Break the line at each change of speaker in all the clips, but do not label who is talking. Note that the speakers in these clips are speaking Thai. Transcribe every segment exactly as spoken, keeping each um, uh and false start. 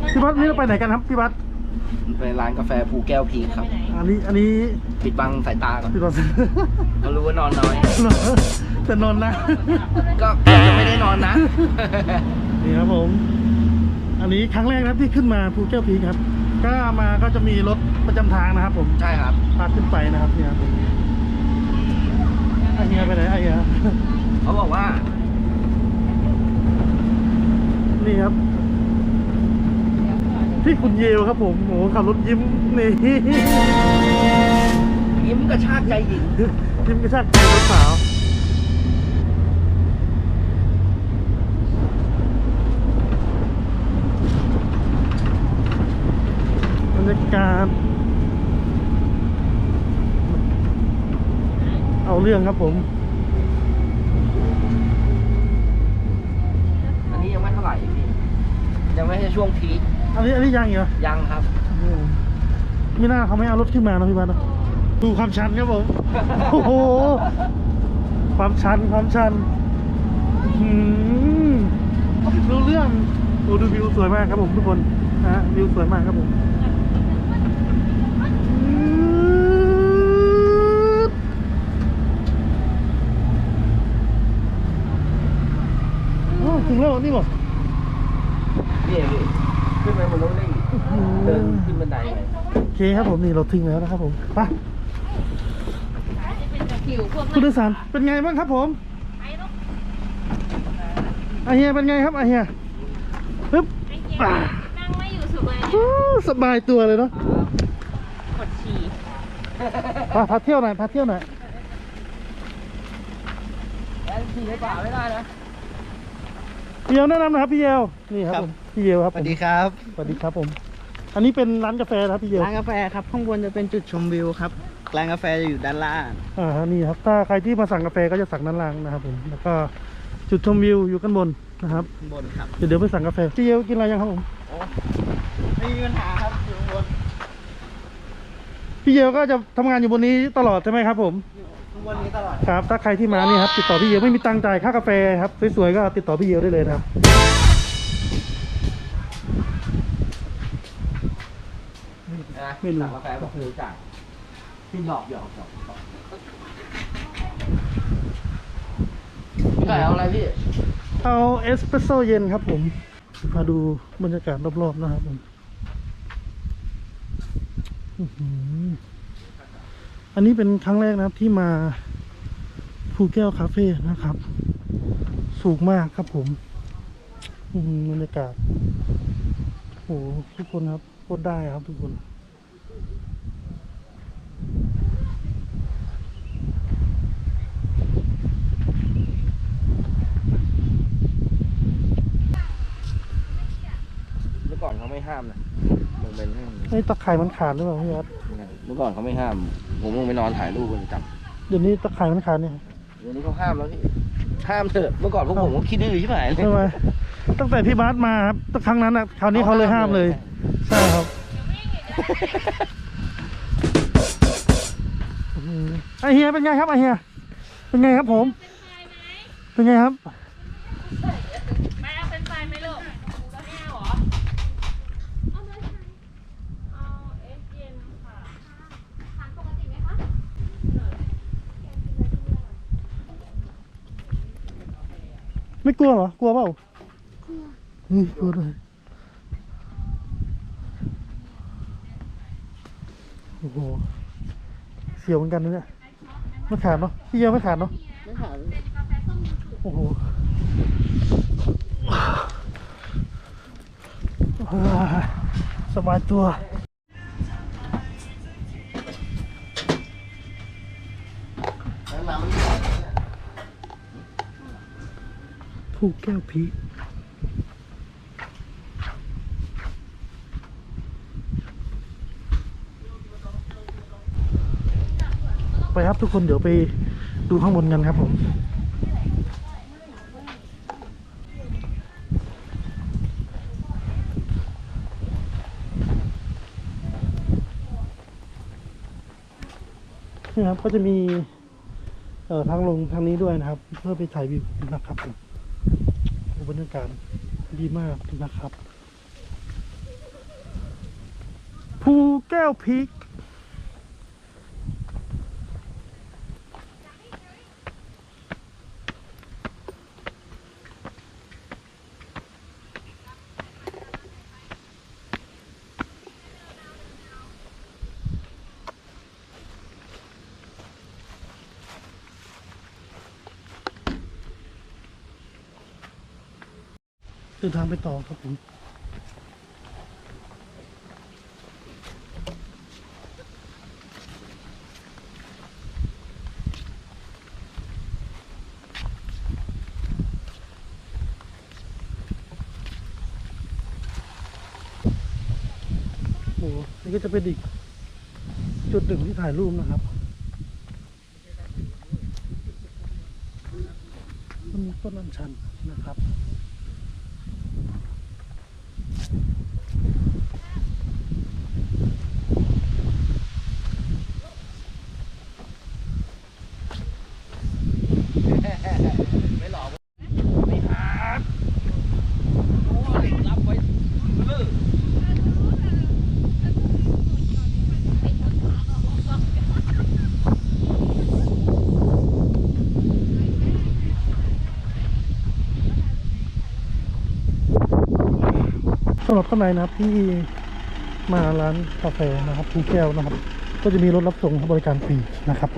พี่บัสนี่เราไปไหนกันครับพี่บัส
ไปร้านกาแฟภูแก้วพีครับ
อันนี้อันนี้
ปิดบังสายตาก่อน
ปิดบัง
เขารู้ว่านอนน้อย
แต่นอนนะ
ก็จะไม่ได้นอนนะ
นี่ครับผมอันนี้ครั้งแรกนะที่ขึ้นมาภูแก้วพีครับก็มาก็จะมีรถประจำทางนะครับผม
ใช่ครับ
พาขึ้นไปนะครับเนี่ยไอเฮียไปไหนไอเฮีย
เขาบอกว่า
นี่ครับที่คุณเยลครับผมโอ้ขับรถยิ้มนี่
ยิ้มกระชากใจหญิง
ยิ้มกระชากใจสาวบรรยากาศเอาเรื่องครับผม
อันนี้ยังไม่เท่าไหร่พี่ยังไม่ใช่ช่วงพีค
อันนี้อันนี้ยังเหรอ
ยังครับ
ไม่น่าเขาไม่เอารถขึ้นมานะพี่บ้านนะดูความชันครับผมโอ้โหความชันความชันดูเรื่องโอ้ดูวิวสวยมากครับผมทุกคนนะวิวสวยมากครับผมถึงแล้วนี่บอก
นี่พี่ขึ้นไปบนรถได้เดินขึ้นบันไดเลย
โอเคครับผมนี่เราถึงแล้วนะครับผมไปคุณโดยสารเป็นไงบ้างครับผมอาเฮียเป็นไงครับอาเฮียปึ๊บ
นั่งไม่อยู่สุดเลย
สบายตัวเลยเนาะ
กดขี่
พาพาเที่ยวหน่อยพาเที่ยวหน่อย
แอนขี่ในป่าไม่ได้นะ
พี่เยลแนะนำนะครับพี่เยลนี่ครับผมพี่เยลครับ
สวัสดีครับ
สวัสดีครับผมอันนี้เป็นร้านกาแฟครับพี่เยล
ร้านกาแฟครับข้างบนจะเป็นจุดชมวิวครับร้านกาแฟจะอยู่ด้านล่าง
อ่านี่ครับถ้าใครที่มาสั่งกาแฟก็จะสั่งด้านล่างนะครับผมแล้วก็จุดชมวิวอยู่ข้างบนนะครับ
บนครับ
เดี๋ยวเดี๋ยวไปสั่งกาแฟพี่เยลกินอะไรยังครับผม
ไม่มีปัญหาครับอยู่ข้างบน
พี่เยลก็จะทำงานอยู่บนนี้ตลอดใช่ไหมครับผม
ข้างบนนี้ตลอด
ครับถ้าใครที่มานี่ครับติดต่อพี่เยลไม่มีตังค์จ่ายค่ากาแฟครับสวยๆก็ติดต่อพี่เยลได้เลยนะครับ
ไม่รู้กาแฟบอกคือจ่ายพี่หยอกหยอกหยอกพี่ไก่เอาอะไรพี่
เอาเอสเปรสโซ่เย็นครับผมมาดูบรรยากาศรอบๆนะครับผมอันนี้เป็นครั้งแรกนะครับที่มาภูแก้วคาเฟ่นะครับสูงมากครับผมบรรยากาศโอ้ทุกคนครับโคตรได้ครับทุกคน
เมื่อก่อนเขาไม่ห้ามนะมันเป็น
ไอ้ตะไคร่มันขาดหรือเปล่าพี่ครับ
เมื่อก่อนเขาไม่ห้ามผมลงไปนอนถ่ายรูปกันจับ
เดี๋ยวนี้ตะไคร่มันขาดเนี่ย
เดี๋ยวนี้เขาห้ามแล้วพี่ห้ามเถอะเมื่อก่อนพวกผมก็คิดดื้อใช่ไหม
ทำไมตั้งแต่พี่บาสมาครับตั้งครั้งนั้นอ่ะคราวนี้เขาเลยห้ามเลยใช่ครับไอเฮียเป็นไงครับไอเฮียเป็นไงครับผมเป็นไงครับ
ไม่เอาเป็นไฟไหมลูกไม่เอาเหรอเอาเลยเอาเอสเย็นค่ะทานปกติไหมคะ
ไม่กลัวเหรอกลัวเปล่านี่กลัวเลยโอ้โหเสียวเหมือนกันนะเนี่ยไม่ขาดเนาะพี่เยอะไม่ขาดเนาะ
ไม่ขาด
โอ้โหสบายตัวภูแก้วพีไปครับทุกคนเดี๋ยวไปดูข้างบนกันครับผมนี่ครับก็จะมีเอ่อทางลงทางนี้ด้วยนะครับเพื่อไปถ่ายวิวนะครับผมบรรยากาศดีมากนะครับก้วพีคเดินทางไปต่อครับผม โอ้โหนี่ก็จะเป็นอีกจุดหนึ่งที่ถ่ายรูปนะครับมันมีต้นอัญชันนะครับ
ไม่หลอกไม่หาโอ้ยรับไว้เออ
สำหรับท่านใดนะครับที่มาร้านกาแฟนะครับภูแก้วนะครับ ก็จะมีรถรับส่งบริการฟรีนะครับผม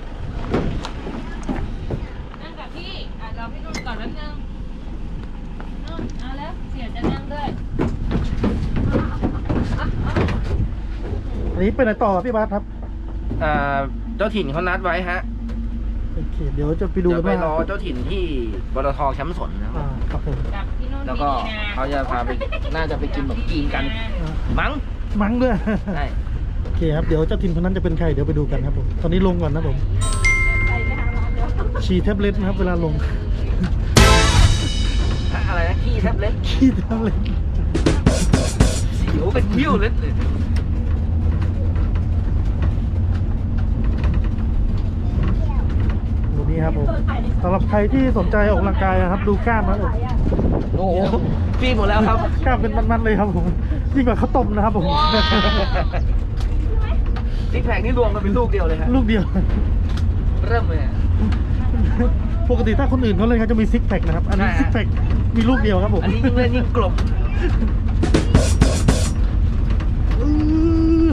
นั่งกับพี่อ่ะรอพี่นุ่นก่อนแป๊บนึงนุ่นเอาแล้วเสียจะนั่งด้วย
อันนี้ไปไหนต่อพี่บาสครับ
อ่าเจ้าถิ่นเขานัดไว้ฮะ
โอเคเดี๋ยวจะไปดู
เดี๋ยวไป
ว่าร
อเจ้าถิ่นที่บลทแคมป์สนนะค
อ่า
รับ
ครับผม
กับพี่นุ่น
แล้วก็
ดีๆนะ
เขาจะพาไปน่าจะไปกินขนมจีนกัน
อ่า
มั้ง
มั้งด้วย
ใช่
โอเคครับเดี๋ยวเจ้าทินคนนั้นจะเป็นใครเดี๋ยวไปดูกันครับผมตอนนี้ลงก่อนนะผม
ไปไปหาร้านเดี๋ยว
ฉี่แท็บเล็ตนะครับ เวลาลง
อะไรนะขี้แทบเล็ด
ขี้แท็บเล็ต
เสียวเป็นยิ้วเล็ดเลย
ดูนี่ครับผมสำหรับใครที่สนใจออกกำลังกายนะครับ ดูกล้ามนะผม
โอ้โหฟีดหมดแล้วครับ
กล้ามเป็นมันๆเลยครับผมยิ่งกว่าข้าวต้มนะครับผม
ซิกแพคนี่รวมกันเป็นลูกเดียวเลยครับ
ลูกเดียว
เริ่มเลยอะ
ปกติถ้าคนอื่นเขาเล่นเขาจะมีซิกแพคนะครับ อันนี้
ใช่ฮะ
ซิกแพคมีลูกเดียวครับผม
อันนี้ยิ่งเล่นยิ่งกลม
อื้อ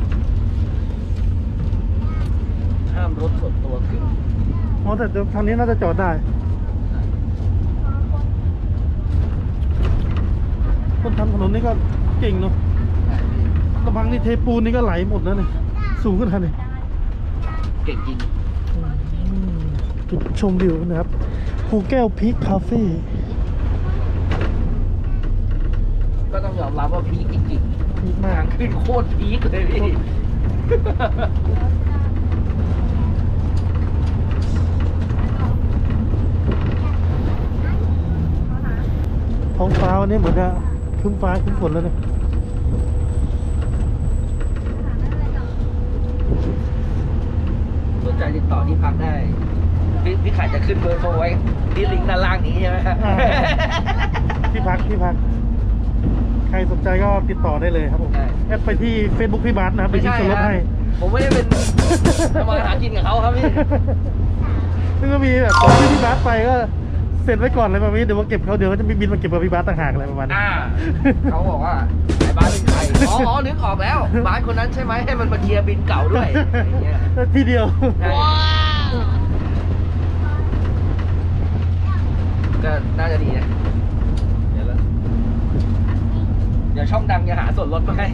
ห้ามรถส่วนตัวขึ้น
อ๋อแต่ทางนี้น่าจะจอดได้คนทำถนนนี่ก็เก่งเนาะระบังนี่เทปูนนี่ก็ไหลหมดแล้วเนี่ยสูงขนาดนี้
เก่งจริง
อืมจุดชมวิวนะครับภูแก้วพีคคาเฟ่
ก็ต้องยอมรับว่าพีคจริง
พีค
ๆ
มา
ทาก งขึ้นโคตรพีคเลยพี่
ท้องฟ้าวันนี้เหมือนจะครึ้มฟ้าครึ้มฝนแล้วเนี่ย
สนใจติดต่อที่พักได้ พี่พี่ขายจะขึ้นเบอร์โทรไว้ที่ลิงก์ด้านล่างนี้ใช่ไหมครับ
อ่าที่พักที่พัก ใครสนใจก็ติดต่อได้เลยครับผม
ใช่
แอดไปที่ Facebook พี่บาสนะครับไป
ไม่
ที่
ใช่
ส่วนลด
ฮะ
ให้
ผมไม่ได้เป็นทำมาหากินกับเขาครับพี่
ซึ่งก็มีแบบของที่พี่บาสไปก็เสร็จไว้ก่อนเลยประมาณนี้เดี๋ยวมาเก็บเขาเดี๋ยวเขาจะมีบินมาเก็บกับพี่บาสต่างหากอะไรประมาณนี้
อ่า เขาบอกว่าไอ้บ้านเป็นใครอ๋ออ๋อนึกออกแล้วบ้านคนนั้นใช่ไหมให้มันมาเคลียร์บินเก่าด้วยอย่างเงี้ย
ทีเดียว
ใช่ก็น่าจะดีนะเดี๋ยวแล้วเดี๋ยวช่องดังจะหาส่วนลดมาให้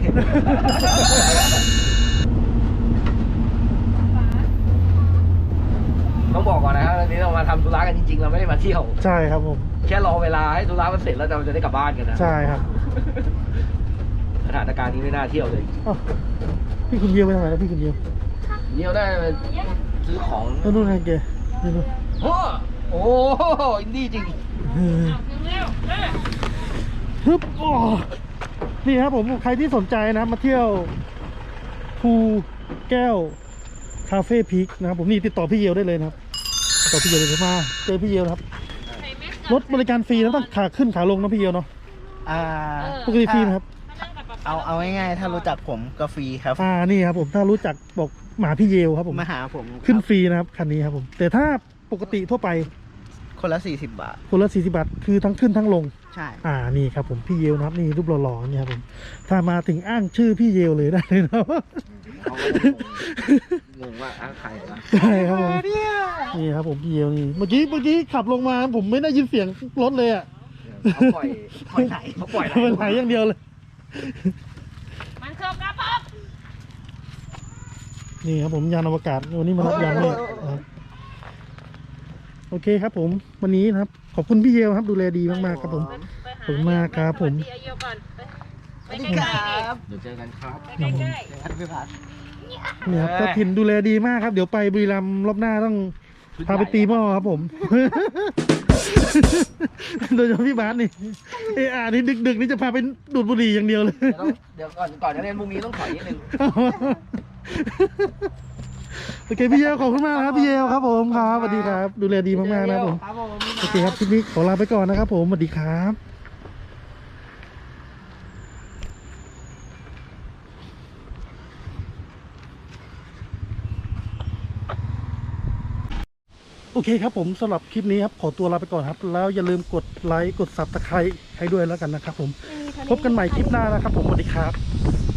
ต้องบอกก่อนนะครับวันนี้เรามาทำธุระกันจริงๆ เราไม่ได้มาเที่ยว
ใช่ครับผม
แค่รอเวลาให้ธุระมันเสร็จแล้วเราจะได้กลับบ้านกันนะ
ใช่ครับ
สถานการณ์นี้ไม่น่าเที่ยวเลย
อ้าวพี่คุณเยียวไปทางไหนแล้วพี่คุณเยียว
เที่ยวได้ไปซื้อของ
แล้วนู่นไงแกนี่ดู
โอ้โอ้อินดี้จริง
เออ
ถึงแล้วเอ้ย
ฮึบโอ้นี่ครับผมใครที่สนใจนะครับมาเที่ยวภูแก้วคาเฟ่พีคนะครับผมนี่ติดต่อพี่เยียวได้เลยนะครับติดต่อพี่เยียวเลยเดี๋ยวมาเจอพี่เยียวนะครับ
ใส่แมส
รถบริการฟรีนะต้องขาขึ้นขาลงนะพี่เยียวเนาะ
อ่า
ปกติฟรีนะครับ
ถ้านั่งกับป๊า
เอาเอาง่ายๆถ้ารู้จักผมก็ฟรีครับ
อ่านี่ครับผมถ้ารู้จักบอกหมาพี่เยลครับผม
มาหาผม
ขึ้น
ครับ
ฟรีนะครับคันนี้ครับผมแต่ถ้าปกติทั่วไป
คนละสี่สิบบาท
คนละสี่สิบบาทคือทั้งขึ้นทั้งลง
ใช่
อ่านี่ครับผมพี่เยลนะครับนี่รูปหล่อๆนี่ครับผมถ้ามาถึงอ้างชื่อพี่เยลเลยได้เลยนะ
เขาก็จะงงงว่าอ้างใครวะ
ใช่ครับผมนี่ครับผมพี่เยลนี่เมื่อกี้เมื่อกี้ขับลงมาผมไม่ได้ยินเสียงรถเลยอ่ะ
เขาปล่อยปล่อยไหลเขาปล่อยไหล
มันไหลอย่างเดียวเลย
มันเครื่องกระป๋อง
นี่ครับผมยานอวกาศวันนี้มารับยานเลยนะครับโอเคครับผมวันนี้นะครับขอบคุณพี่เยลครับดูแลดีมากๆครับผม
ไปห
ขอบคุณมากครับผม
สวัสดีอายุก่อนไปไปใกล้ๆดิ
เดี๋ยวเจอกันครับ
ไปใกล้
พี่พัด
เนี่ยครับเจ้าถิ่นดูแลดีมากครับเดี๋ยวไปบุรีรัมย์รอบหน้าต้องพาไปตีหม้อครับผม โดยเฉพาะพี่บาสนี่เอออ่านี่ดึกๆนี่จะพาไปดูดบุหรี่อย่างเดียวเลย
เดี๋ยวต้องเดี๋ยวก่อนก่อนจะเรียนพรุ่งนี้ต้องถอยนิดนึง
โอเคพี่เยลขอบคุณมากนะครับพี่เยลครับผมครับสวัสดีครับ ดูแลดีมากๆนะครับผม
ครับผม
โอเคครับคลิปนี้ขอลาไปก่อนนะครับผมสวัสดีครับโอเคครับผมสำหรับคลิปนี้ครับขอตัวลาไปก่อนครับ แล้วอย่าลืมกดไลค์กดซับสไครต์ให้ด้วยแล้วกันนะครับผมพบกันใหม่คลิปหน้านะครับผมสวัสดีครับ